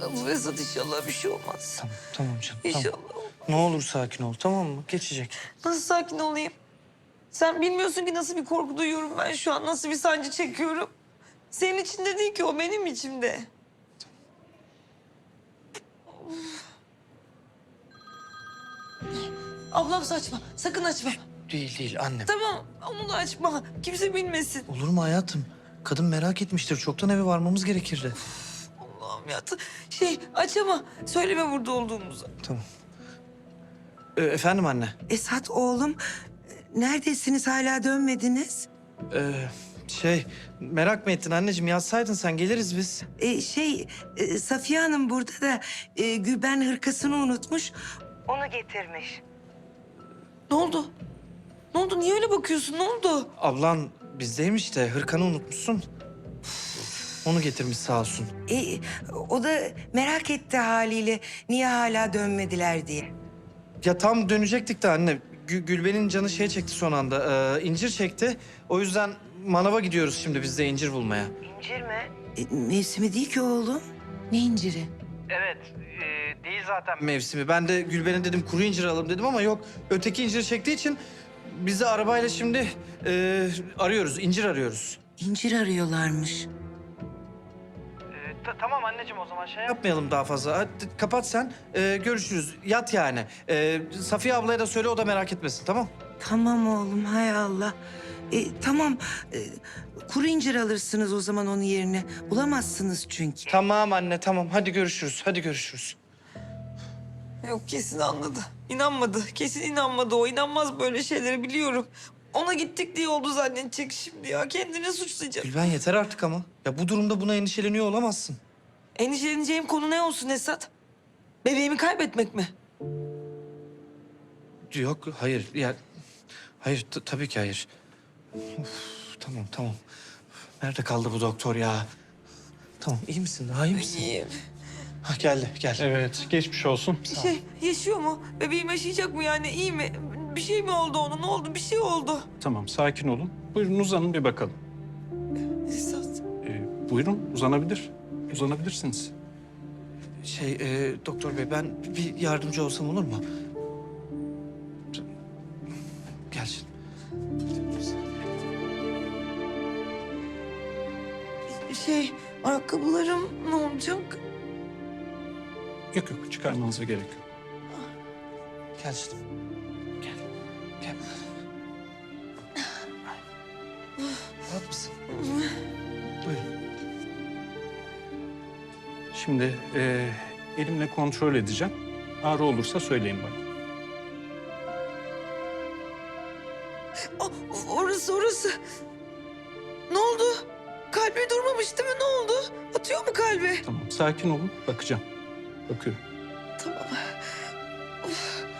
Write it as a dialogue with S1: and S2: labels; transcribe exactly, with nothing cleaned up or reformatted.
S1: Esat inşallah bir şey olmaz.
S2: Tamam, tamam canım.
S1: İnşallah.
S2: Tamam. Ne olur sakin ol, tamam mı? Geçecek.
S1: Nasıl sakin olayım? Sen bilmiyorsun ki nasıl bir korku duyuyorum ben şu an. Nasıl bir sancı çekiyorum. Senin içinde değil ki o benim içimde. Ablam saçma. Sakın açma.
S2: Değil, değil annem.
S1: Tamam onu da açma. Kimse bilmesin.
S2: Olur mu hayatım? Kadın merak etmiştir. Çoktan eve varmamız gerekirdi.
S1: Allah'ım ya. Şey aç ama söyleme burada olduğumuzu.
S2: Tamam. Ee, efendim anne?
S3: Esat oğlum, neredesiniz, hala dönmediniz?
S2: Ee, şey, merak mı ettin anneciğim? Yazsaydın sen, geliriz biz.
S3: Ee, şey, e, Safiye Hanım burada da e, Gülben hırkasını unutmuş. Onu getirmiş.
S1: Ne oldu? Ne oldu? Niye öyle bakıyorsun? Ne oldu?
S2: Ablan bizdeymiş de hırkanı unutmuşsun. Onu getirmiş sağ olsun.
S3: E, o da merak etti haliyle niye hala dönmediler diye.
S2: Ya tam dönecektik de anne. Gü- Gülben'in canı şey çekti son anda. Ee, incir çekti. O yüzden manava gidiyoruz şimdi biz de incir bulmaya.
S3: İncir mi? E, mevsimi değil ki oğlum. Ne inciri?
S2: Evet, e, değil zaten mevsimi. Ben de Gülben'e dedim kuru incir alalım dedim ama yok. Öteki incir çektiği için biz de arabayla şimdi e, arıyoruz, incir arıyoruz.
S3: İncir arıyorlarmış.
S2: E, tamam anneciğim o zaman şey yapmayalım daha fazla. Hadi kapat sen, e, görüşürüz. Yat yani. E, Safiye ablaya da söyle o da merak etmesin tamam?
S3: Tamam oğlum, hay Allah. E, tamam, e, kuru incir alırsınız o zaman onun yerine. Bulamazsınız çünkü.
S2: Tamam anne tamam hadi görüşürüz, hadi görüşürüz.
S1: Yok kesin anladı. İnanmadı. Kesin inanmadı o. İnanmaz böyle şeyleri biliyorum. Ona gittik diye oldu zannedecek şimdi ya. Kendini suçlayacak.
S2: Gülben yeter artık ama. Ya bu durumda buna endişeleniyor olamazsın.
S1: Endişeleneceğim konu ne olsun Esat? Bebeğimi kaybetmek mi?
S2: Yok hayır ya hayır t- tabii ki hayır. Of, tamam tamam. Nerede kaldı bu doktor ya? Tamam iyi misin? Daha iyi misin?
S1: İyiyim.
S2: Ha, geldi gel.
S4: Evet, geçmiş olsun.
S1: Şey yaşıyor mu? Bebeğim yaşayacak mı yani? İyi mi? Bir şey mi oldu ona? Ne oldu? Bir şey oldu.
S4: Tamam, sakin olun. Buyurun uzanın bir bakalım.
S1: Esat.
S4: Ee, buyurun, uzanabilir. Uzanabilirsiniz.
S2: Şey e, doktor bey ben bir yardımcı olsam olur mu? Gel şimdi.
S1: Şey ayakkabılarım ne olacak?
S4: Yok yok, çıkarmanıza gerek yok.
S2: Gel şimdi. Gel. Gel. Rahat mısın? Buyurun.
S4: Şimdi e, elimle kontrol edeceğim. Ağrı olursa söyleyin bana.
S1: Aa, orası orası. Ne oldu? Kalbi durmamış değil mi? Ne oldu? Atıyor mu kalbi?
S4: Tamam, sakin olun. Bakacağım. Bakıyorum.
S1: Tamam. Of.